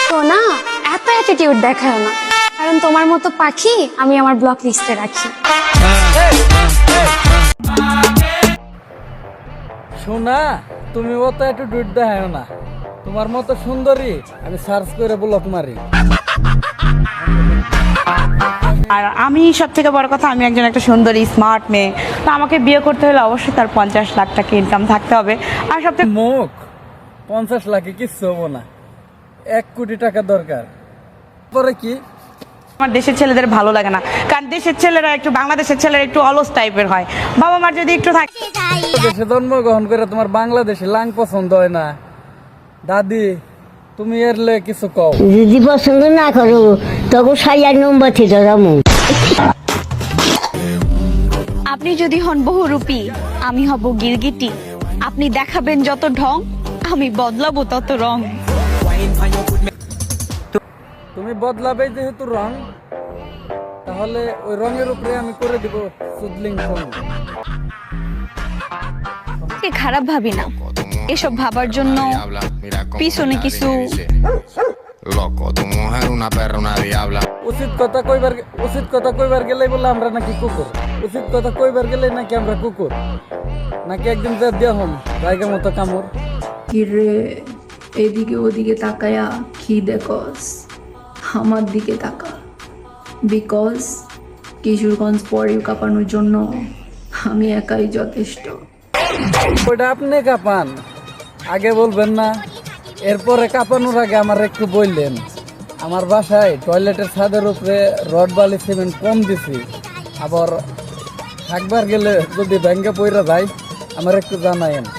সোনা, এত অ্যাটিটিউড দেখাও না, কারণ তোমার মতো পাখি আমি আমার ব্লক লিস্টে রাখি। সোনা, তুমি অত একটু ডুট দেখাও না। তোমার মতো সুন্দরী আমি সার্চ করে ব্লক মারি। আর আমি সব থেকে বড় কথা, আমি একজন একটা সুন্দরী স্মার্ট মেয়ে, তো আমাকে বিয়ে করতে হলে অবশ্যই তার 50 লাখ টাকা ইনকাম থাকতে হবে। আর সব থেকে মুখ 50 লাখে কিচ্ছু হবো না, 1 কোটি টাকা দরকার। পরে কি আমার দেশের ছেলেদের ভালো লাগে না, কারণ দেশের ছেলেরা একটু, বাংলাদেশের ছেলেরা একটু অলস টাইপের হয়। বাবা মার যদি একটু থাকে। দেশে জন্মগ্রহণ করে তোমার বাংলাদেশে লাং পছন্দ হয় না? দাদি, তুমি এর লে কিছু কও। যদি পছন্দ না করো তখন 6 নম্বর থেকে যাবো। আপনি যদি হন বহুরূপী, আমি হব গিরগিটি। আপনি দেখাবেন যত ঢং, আমি বদলাবো তত রং। তুমি বদলাবে যেহেতু রং, তাহলে ওই রঙের উপরে আমি করে দিব সুদলিং সং। কে খারাপ ভাবি না, এসব ভাবার জন্য পিছনে কিছু Loco, tu mujer una perra, una diabla. উচিত কথা কইবার গেলেই বলে আমরা নাকি কুকুর। উচিত কথা কইবার গেলেই নাকি আমরা কুকুর, নাকি একদিন যা দিয়া হম জায়গা মতো কামড়। কিরে, এদিকে ওদিকে তাকায়া কি দেখস? আমার দিকে তাকা, বিকজ কিশোরগঞ্জ পরেও কাঁপানোর জন্য আমি একাই যথেষ্ট। ওইটা আপনি কাঁপান, আগে বলবেন না? এরপরে কাঁপানোর আগে আমার একটু বললেন। আমার বাসায় টয়লেটের ছাদের উপরে রড বালি সিমেন্ট কম দিছি, আবার থাকবার গেলে যদি ব্যাংকে পইরা যায় আমার একটু জানায়েন।